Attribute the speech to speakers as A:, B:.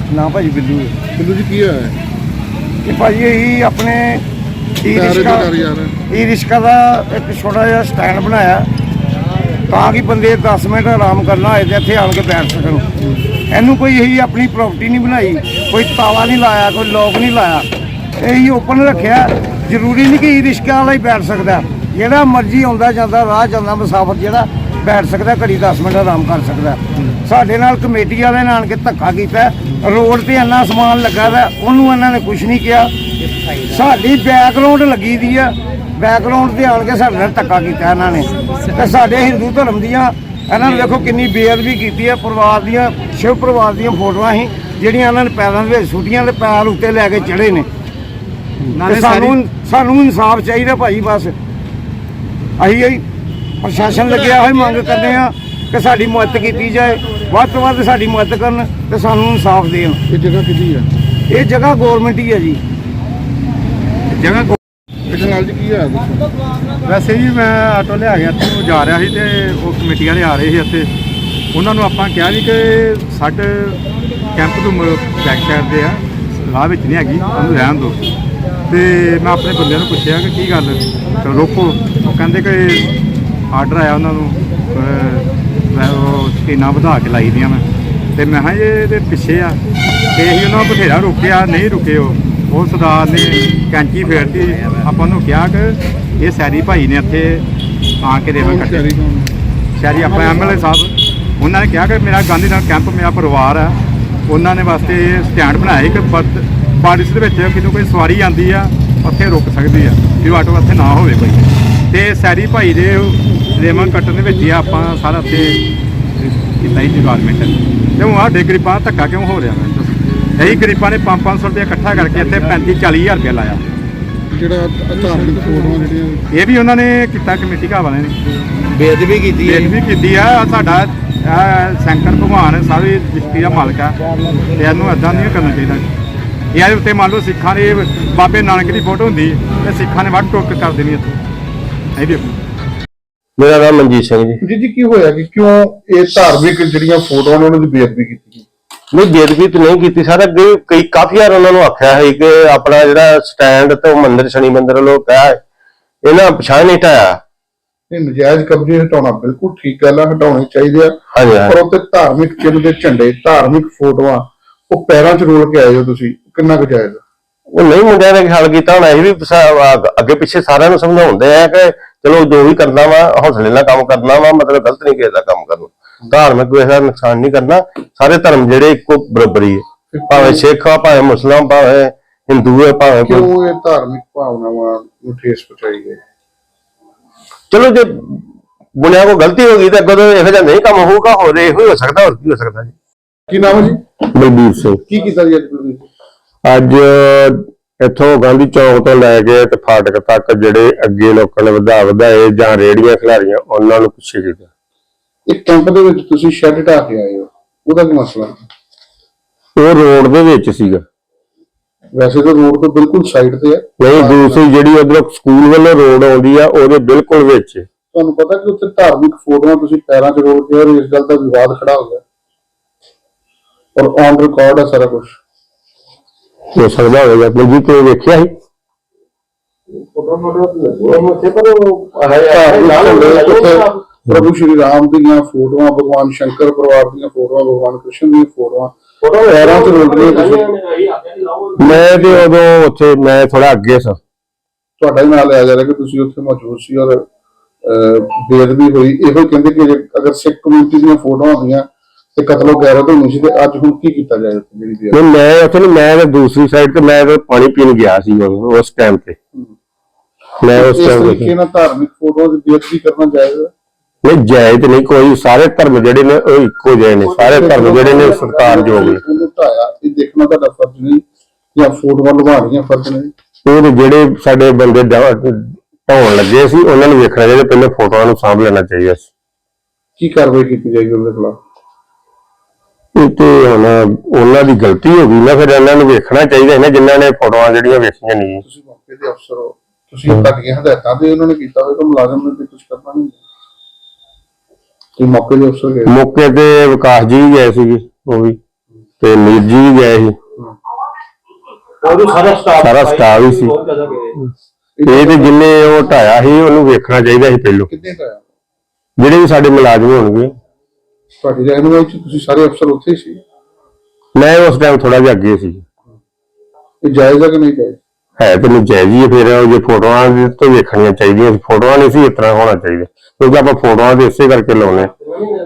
A: ਨਾ ਭਾਜੀ ਬਿੱਲੂ
B: ਬਿੱਲੂ ਜੀ ਕੀ ਹੋਇਆ
A: ਕਿ ਭਾਜੀ ਇਹੀ ਆਪਣੇ ਈ ਰਿਸ਼ਕਾ ਦਾ ਇੱਕ ਛੋਟਾ ਜਿਹਾ ਸਟੈਂਡ ਬਣਾਇਆ ਤਾਂ ਕਿ ਬੰਦੇ 10 ਮਿੰਟ ਆਰਾਮ ਕਰਨਾ ਹੋਏ ਤੇ ਇੱਥੇ ਆਣ ਕੇ ਬੈਠ ਸਕਣ। ਇਹਨੂੰ ਕੋਈ ਇਹੀ ਆਪਣੀ ਪ੍ਰਾਪਰਟੀ ਨਹੀਂ ਬਣਾਈ, ਕੋਈ ਤਾਲਾ ਨਹੀਂ ਲਾਇਆ, ਕੋਈ ਲੋਕ ਨਹੀਂ ਲਾਇਆ, ਇਹੀ ਓਪਨ ਰੱਖਿਆ। ਜ਼ਰੂਰੀ ਨਹੀਂ ਕਿ ਈ ਰਿਸ਼ਕਾ ਵਾਲਾ ਹੀ ਬੈਠ ਸਕਦਾ, ਜਿਹੜਾ ਮਰਜ਼ੀ ਆਉਂਦਾ ਜਾਂਦਾ ਰਾਹ ਜਾਂਦਾ ਮੁਸਾਫਰ ਜਿਹੜਾ ਬੈਠ ਸਕਦਾ, ਘੜੀ 10 ਮਿੰਟ ਆਰਾਮ ਕਰ ਸਕਦਾ। ਸਾਡੇ ਨਾਲ ਕਮੇਟੀ ਵਾਲਿਆਂ ਨੇ ਆਣ ਕੇ ਧੱਕਾ ਕੀਤਾ, ਰੋਡ ਤੇ ਇੰਨਾ ਸਮਾਨ ਲੱਗਾ ਵਾ, ਉਹਨੂੰ ਇਹਨਾਂ ਨੇ ਕੁਝ ਨਹੀਂ ਕਿਹਾ। ਸਾਡੀ ਬੈਕਗਰਾਉਂਡ ਲੱਗੀ ਦੀ ਆ, ਬੈਕਗਰਾਉਂਡ ਤੇ ਆਣ ਕੇ ਸਾਡੇ ਨਾਲ ਧੱਕਾ ਕੀਤਾ ਇਹਨਾਂ ਨੇ। ਤੇ ਸਾਡੇ ਹਿੰਦੂ ਧਰਮ ਦੀਆਂ ਇਹਨਾਂ ਨੇ ਦੇਖੋ ਕਿੰਨੀ ਬੇਅਦਬੀ ਕੀਤੀ ਹੈ। ਪਰਿਵਾਰ ਦੀਆਂ ਸ਼ਿਵ ਪਰਿਵਾਰ ਦੀਆਂ ਫੋਟੋਆਂ ਸੀ ਜਿਹੜੀਆਂ ਇਹਨਾਂ ਨੇ ਪੈਰਾਂ ਦੇ ਵਿੱਚ ਸੁੱਟੀਆਂ ਤੇ ਪੈਰ ਉੱਤੇ ਲੈ ਕੇ ਚੜੇ ਨੇ। ਸਾਨੂੰ ਇਨਸਾਫ ਚਾਹੀਦਾ ਭਾਈ, ਬਸ ਅਸੀਂ ਪ੍ਰਸ਼ਾਸਨ ਲੱਗਿਆ ਹੋਇਆ ਮੰਗ ਕਰਦੇ ਆ ਕਿ ਸਾਡੀ ਮਦਦ ਕੀਤੀ ਜਾਏ, ਵੱਧ ਤੋਂ ਵੱਧ ਸਾਡੀ ਮਦਦ ਕਰਨ ਤੇ ਸਾਨੂੰ ਇਨਸਾਫ ਦੇਣ।
B: ਇਹ ਜਗ੍ਹਾ ਕਿਹਦੀ ਹੈ?
A: ਇਹ ਜਗ੍ਹਾ ਗੌਰਮੈਂਟ ਹੀ ਹੈ ਜੀ, ਜਗ੍ਹਾ
B: ਨਾਲ ਜੀ ਕੀ ਹੋਇਆ?
C: ਵੈਸੇ ਜੀ ਮੈਂ ਆਟੋ ਲਿਆ ਗਿਆ ਇੱਥੋਂ ਜਾ ਰਿਹਾ ਸੀ ਤੇ ਉਹ ਕਮੇਟੀ ਵਾਲੇ ਆ ਰਹੇ ਸੀ ਇੱਥੇ। ਉਹਨਾਂ ਨੂੰ ਆਪਾਂ ਕਿਹਾ ਵੀ ਕਿ ਸਾਡੇ ਕੈਂਪ ਤੋਂ ਬੈਕ ਸਾਈਡ ਦੇ ਆ, ਰਾਹ ਵਿੱਚ ਨਹੀਂ ਹੈਗੀ, ਉਹਨੂੰ ਰਹਿਣ ਦਿਓ। ਤੇ ਮੈਂ ਆਪਣੇ ਬੰਦਿਆਂ ਨੂੰ ਪੁੱਛਿਆ ਕਿ ਕੀ ਗੱਲ ਰੋਕੋ। ਉਹ ਕਹਿੰਦੇ ਕਿ ਆਰਡਰ ਆਇਆ ਉਹਨਾਂ ਨੂੰ, ਉਹ ਸਕੀਨਾਂ ਵਧਾ ਕੇ ਲਾਈ ਦੀਆਂ ਮੈਂ। ਤੇ ਮੈਂ ਕਿਹਾ ਇਹਦੇ ਪਿੱਛੇ ਆ ਤੇ ਅਸੀਂ ਉਹਨਾਂ ਨੂੰ ਬਥੇਰਾ ਰੋਕਿਆ, ਨਹੀਂ ਰੁਕੇ। ਉਹ ਸਰਦਾਰ ਨੇ ਕੈਂਚੀ ਫੇਰਤੀ। ਆਪਾਂ ਉਹਨੂੰ ਕਿਹਾ ਕਿ ਇਹ ਸੈਰੀ ਭਾਈ ਨੇ ਇੱਥੇ ਆ ਕੇ ਰੇਵਨ ਕੱਟੇ, ਸ਼ਹਿਰੀ ਆਪਾਂ MLA ਸਾਹਿਬ। ਉਹਨਾਂ ਨੇ ਕਿਹਾ ਕਿ ਮੇਰਾ ਗਾਂਧੀ ਨਗਰ ਕੈਂਪ ਮੇਰਾ ਪਰਿਵਾਰ ਹੈ, ਉਹਨਾਂ ਨੇ ਵਾਸਤੇ ਸਟੈਂਡ ਬਣਾਇਆ ਕਿ ਬਾਰਿਸ਼ ਦੇ ਵਿੱਚ ਕਿਦੋਂ ਕੋਈ ਸਵਾਰੀ ਆਉਂਦੀ ਆ ਉੱਥੇ ਰੁਕ ਸਕਦੀ ਆ, ਵੀ ਆਟੋ ਇੱਥੇ ਨਾ ਹੋਵੇ ਕੋਈ। ਤੇ ਸੈਰੀ ਭਾਈ ਦੇ ਰੇਵਨ ਕੱਟਣ ਦੇ ਵਿੱਚ ਹੀ ਆਪਾਂ ਸਾਰਾ ਉੱਥੇ ਕੀਤਾ ਹੀ ਡਿਪਾਰਟਮੈਂਟ। ਤੇ ਹੁਣ ਸਾਡੇ ਗਰੀਬਾਂ ਦਾ ਧੱਕਾ ਕਿਉਂ ਹੋ ਰਿਹਾ? ਇਹੀ ਗਰੀਬਾਂ ਨੇ 500 ਰੁਪਏ ਇਕੱਠਾ ਕਰਕੇ ਇੱਥੇ 35-40 ਹਜ਼ਾਰ ਰੁਪਇਆ ਲਾਇਆ।
B: ਜਿਹੜਾ ਧਾਰਮਿਕ ਫੋਟੋਆਂ ਜਿਹੜੀਆਂ
C: ਇਹ ਵੀ ਉਹਨਾਂ ਨੇ ਕੀਤਾ, ਕਮੇਟੀ ਘਰ ਵਾਲਿਆਂ ਨੇ
A: ਬੇਅਦਬੀ
C: ਕੀਤੀ ਆ। ਸਾਡਾ ਸ਼ੰਕਰ ਭਗਵਾਨ ਸਾਰੀ ਦ੍ਰਿਸ਼ਟੀ ਦਾ ਮਾਲਕ ਆ ਤੇ ਇਹਨੂੰ ਇੱਦਾਂ ਨਹੀਂ ਕਰਨਾ ਚਾਹੀਦਾ। ਇਹਦੇ ਉੱਤੇ ਮੰਨ ਲਓ ਸਿੱਖਾਂ ਦੇ ਬਾਬੇ ਨਾਨਕ ਦੀ ਫੋਟੋ ਹੁੰਦੀ ਤੇ ਸਿੱਖਾਂ ਨੇ ਵੱਢ ਟੋਕ ਕਰ ਦੇਣੀ ਇੱਥੇ। ਇਹ ਵੀ
D: ਮੇਰਾ ਨਾਮ ਮਨਜੀਤ ਸਿੰਘ ਜੀ।
B: ਜੀ ਕੀ ਹੋਇਆ ਕਿ ਕਿਉਂ ਇਹ ਧਾਰਮਿਕ ਜਿਹੜੀਆਂ ਫੋਟੋਆਂ ਨੇ ਉਹਨਾਂ ਦੀ ਬੇਅਦਬੀ ਕੀਤੀ?
D: ਨਹੀਂ, ਬੇਅਦਬੀ ਤਾਂ ਨਹੀਂ ਕੀਤੀ ਸਰ। ਅੱਗੇ ਕਾਫੀ ਵਾਰ ਉਹਨਾਂ ਨੂੰ ਆਖਿਆ ਹੈ ਕਿ ਆਪਣਾ ਜਿਹੜਾ ਸਟੈਂਡ ਤੇ ਮੰਦਿਰ ਸ਼ਨੀ ਮੰਦਿਰ ਵੱਲੋਂ ਕਿਹਾ ਇਹਨਾਂ ਪਛਾਣ ਨਹੀਂ ਢਾਇਆ।
B: ਇਹ ਨਜਾਇਜ਼ ਕਬਜ਼ੇ ਹਟਾਉਣਾ ਬਿਲਕੁਲ ਠੀਕ ਗੱਲ ਆ, ਹਟਾਉਣੇ ਚਾਹੀਦੇ ਆ। ਪਰ ਉੱਤੇ ਧਾਰਮਿਕ ਚਿੰਨ੍ਹ ਦੇ ਝੰਡੇ, ਧਾਰਮਿਕ ਫੋਟੋਆਂ ਉਹ ਪੈਰਾਂ 'ਚ ਰੋਲ ਕੇ ਆਏ ਹੋ ਤੁਸੀਂ, ਕਿੰਨਾ ਕੁ ਜਾਇਜ਼?
D: ਉਹ ਨਹੀਂ, ਮੁੰਡਿਆਂ ਨੇ ਖਿਆਲ ਕੀਤਾ ਹੋਣਾ। ਇਹ ਵੀ ਅੱਗੇ ਪਿੱਛੇ ਸਾਰਿਆਂ ਨੂੰ ਸਮਝਾਉਂਦੇ ਆ ਕਿ ਚਲੋ ਜੋ ਵੀ ਕਰਨਾ ਵਾ ਹੌਸਲੇ ਨਾਲ ਕੰਮ ਕਰਨਾ ਵਾ, ਮਤਲਬ ਗਲਤ ਨਹੀਂ ਕਿਸੇ ਦਾ ਕੰਮ ਕਰਨਾ, ਧਾਰਮਿਕ ਕਿਸੇ ਦਾ ਨੁਕਸਾਨ ਨਹੀਂ ਕਰਨਾ। ਸਾਰੇ ਧਰਮ ਜਿਹੜੇ ਇੱਕੋ ਬਰਾਬਰ ਹੀ ਹੈ, ਭਾਵੇਂ ਸਿੱਖ ਆ, ਭਾਵੇਂ ਮੁਸਲਮਾਨ, ਭਾਵੇਂ ਹਿੰਦੂ ਹੈ, ਭਾਵੇਂ
B: ਕਿਉਂ ਇਹ ਧਾਰਮਿਕ ਭਾਵਨਾਵਾਂ ਨੂੰ ਠੇਸ ਪਹੁੰਚਾਈ ਗਈ?
D: ਚਲੋ ਜੇ ਬੁਨਿਆ ਕੋ ਗਲਤੀ ਹੋ ਗਈ ਤਾਂ ਅੱਗੋਂ ਤੋਂ ਇਹੋ ਜਿਹਾ ਨਹੀਂ ਕੰਮ ਹੋਊਗਾ। ਹੋਰ ਇਹੋ ਹੀ ਹੋ ਸਕਦਾ, ਹੋਰ ਕੀ ਹੋ ਸਕਦਾ ਜੀ।
B: ਕੀ ਨਾਮ ਹੈ ਜੀ?
D: ਬਲਬੀਰ ਸਿੰਘ।
B: ਕੀ ਕੀਤਾ ਜੀ
D: ਅੱਜ ਇੱਥੋਂ ਗਾਂਧੀ ਚੌਕ ਤੋਂ ਲੈ ਕੇ ਤੇ ਫਾਟਕ ਤੱਕ ਜਿਹੜੇ ਅੱਗੇ ਲੋਕਾਂ ਨੇ ਵਧਾਏ ਜਾਂ ਰੇਹੜੀਆਂ ਖਿਲਾਰੀਆਂ ਉਹਨਾਂ ਨੂੰ ਪਿੱਛੇ ਕੀਤਾ।
B: ਇੱਕ ਕੈਂਪ ਦੇ ਵਿੱਚ ਤੁਸੀਂ ਸ਼ੈੱਡ ਢਾ ਕੇ ਆਏ ਹੋ, ਉਹਦਾ ਕੀ ਮਸਲਾ?
D: ਉਹ ਰੋਡ ਦੇ ਵਿੱਚ ਸੀਗਾ।
B: ਵੈਸੇ ਤਾਂ ਰੋਡ ਤੋਂ ਬਿਲਕੁਲ ਸਾਈਡ ਤੇ ਹੈ।
D: ਨਹੀਂ, ਦੂਸਰੀ ਜਿਹੜੀ ਉਧਰੋਂ ਸਕੂਲ ਵੱਲੋਂ ਰੋਡ ਆਉਂਦੀ ਆ ਉਹਦੇ ਬਿਲਕੁਲ ਵਿੱਚ।
B: ਤੁਹਾਨੂੰ ਪਤਾ ਕਿ ਉੱਥੇ ਧਾਰਮਿਕ ਫੋਟੋਆਂ ਤੁਸੀਂ ਪੈਰਾਂ 'ਚ ਰੋਲ ਕੇ, ਇਸ ਗੱਲ ਦਾ ਵਿਵਾਦ ਖੜਾ ਹੋ ਗਿਆ ਔਰ ਔਨ ਰਿਕਾਰਡ ਹੈ ਸਾਰਾ ਕੁਝ।
D: ਹੋ ਸਕਦਾ ਹੋਵੇਗਾ ਜੀ, ਕੋਈ ਵੇਖਿਆ ਸੀ?
B: ਪ੍ਰਭੂ ਸ਼੍ਰੀ ਰਾਮ ਦੀਆਂ ਫੋਟੋਆਂ, ਭਗਵਾਨ ਸ਼ੰਕਰ ਪਰਿਵਾਰ ਦੀਆਂ ਫੋਟੋਆਂ, ਭਗਵਾਨ ਕ੍ਰਿਸ਼ਨ ਦੀਆਂ ਫੋਟੋਆਂ ਪੈਰਾਂ 'ਚ ਰੋਲ ਰਹੀਆਂ।
D: ਮੈਂ ਤੇ ਉਦੋਂ ਉੱਥੇ ਮੈਂ ਥੋੜਾ ਅੱਗੇ ਸਾਂ।
B: ਤੁਹਾਡਾ ਹੀ ਨਾਂ ਲਿਆ ਜਾ ਰਿਹਾ ਕਿ ਤੁਸੀਂ ਉੱਥੇ ਮੌਜੂਦ ਸੀ ਔਰ ਬੇਅਦਬੀ ਹੋਈ। ਇਹੋ ਕਹਿੰਦੇ ਕਿ ਅਗਰ ਸਿੱਖ ਕਮਿਊਨਿਟੀ ਦੀਆਂ ਫੋਟੋਆਂ ਹੁੰਦੀਆਂ ਤੇ ਕਤਲੋ ਗੈਰਤ ਹੋਣੀ ਸੀ, ਤੇ ਅੱਜ ਹੁਣ ਕੀ ਕੀਤਾ ਜਾਏ ਉੱਥੇ? ਜਿਹੜੀ
D: ਮੈਂ ਉੱਥੇ ਮੈਂ ਦੂਸਰੀ ਸਾਈਡ ਤੇ ਮੈਂ ਪਾਣੀ ਪੀਣ ਗਿਆ ਸੀ ਉਸ ਟਾਈਮ ਤੇ। ਮੈਂ ਉਸ
B: ਤਰੀਕੇ ਨਾਲ ਧਾਰਮਿਕ ਫੋਟੋਆਂ ਦੀ ਬੇਅਦਬੀ ਕਰਨਾ ਜਾਇਜ਼?
D: ਨਹੀਂ, ਜਾਇਜ਼ ਨਹੀਂ ਕੋਈ। ਸਾਰੇ ਧਰਮ ਜਿਹੜੇ ਨੇ ਉਹ ਇੱਕੋ ਜਿਹੇ ਨੇ, ਸਾਰੇ ਧਰਮ ਜਿਹੜੇ ਨੇ ਸਤਿਕਾਰਯੋਗ ਨੇ।
B: ਇਹ ਦੇਖਣਾ ਤੁਹਾਡਾ ਫਰਜ਼ ਨਹੀਂ ਜਾਂ ਫੋਟੋਆਂ ਲਵਾਉਣੀਆਂ ਫਰਜ਼ ਨਹੀਂ?
D: ਉਹ ਜਿਹੜੇ ਸਾਡੇ ਬੰਦੇ ਢਾਉਣ ਲੱਗੇ ਸੀ ਉਹਨਾਂ ਨੂੰ ਵੇਖਣਾ ਚਾਹੀਦਾ, ਪਹਿਲੇ ਫੋਟੋਆਂ ਨੂੰ ਸਾਂਭ ਲੈਣਾ ਚਾਹੀਦਾ ਸੀ।
B: ਕੀ ਕਾਰਵਾਈ ਕੀਤੀ ਜਾਏਗੀ ਉਹਦੇ ਖਿਲਾਫ?
D: ਇਹ ਤੇ ਹੁਣ ਉਹਨਾਂ ਦੀ ਗਲਤੀ ਹੋ ਗਈ ਨਾ, ਫਿਰ ਇਹਨਾਂ ਨੂੰ ਵੇਖਣਾ ਚਾਹੀਦਾ ਨਾ ਜਿਨ੍ਹਾਂ ਨੇ ਫੋਟੋਆਂ ਜਿਹੜੀਆਂ ਵੇਖੀਆਂ ਨਹੀਂ।
B: ਤੁਸੀਂ ਮੌਕੇ ਦੇ ਅਫਸਰ ਹੋ, ਤੁਸੀਂ ਤੁਹਾਡੀਆਂ ਹਦਾਇਤਾਂ ਤੇ ਉਹਨਾਂ ਨੇ ਕੀਤਾ ਹੋਵੇਗਾ, ਮੁਲਾਜ਼ਮ ਨੇ ਤੇ ਕੁਝ ਕਰਨਾ ਨਹੀਂ। ਤੁਸੀਂ ਮੌਕੇ ਦੇ ਅਫਸਰ ਗਏ?
D: ਮੌਕੇ ਤੇ ਵਿਕਾਸ ਜੀ ਵੀ ਗਏ ਸੀਗੇ, ਉਹ ਵੀ ਤੇ ਨੀਰ ਜੀ ਵੀ ਗਏ ਸੀ, ਸਾਰਾ ਸਟਾਫ ਹੀ ਸੀ। ਇਹ ਤੇ ਜਿੰਨੇ ਉਹ ਢਾਇਆ ਸੀ ਉਹਨੂੰ ਵੇਖਣਾ ਚਾਹੀਦਾ ਸੀ ਪਹਿਲੋਂ,
B: ਕਿੰਨੇ ਦਾ ਆਇਆ?
D: ਜਿਹੜੇ ਵੀ ਸਾਡੇ ਮੁਲਾਜ਼ਮ ਹੋਣਗੇ।
B: ਤੁਹਾਡੀ ਰਹਿਨੁਮਾਈ ਚ ਤੁਸੀਂ ਸਾਰੇ ਅਫਸਰ ਉੱਥੇ ਹੀ ਸੀ?
D: ਮੈਂ ਉਸ ਟਾਈਮ ਥੋੜਾ ਜਿਹਾ ਅੱਗੇ ਸੀ।
B: ਇਹ ਜਾਇਜ਼ ਹੈ ਕਿ ਨਹੀਂ ਜਾਇਜ਼?
D: ਹੈ ਤੇ ਨਜਾਇਜ਼ ਹੀ। ਫਿਰ ਉਹ ਜੇ ਫੋਟੋਆਂ ਦੇ ਤੋਂ ਵੇਖਣੀਆਂ ਚਾਹੀਦੀਆਂ, ਫੋਟੋਆਂ ਨਹੀਂ ਸੀ ਇਸ ਤਰ੍ਹਾਂ ਹੋਣਾ ਚਾਹੀਦਾ, ਕਿਉਂਕਿ ਆਪਾਂ ਫੋਟੋਆਂ ਦੇ ਇਸੇ ਕਰਕੇ ਲਾਉਣੇ।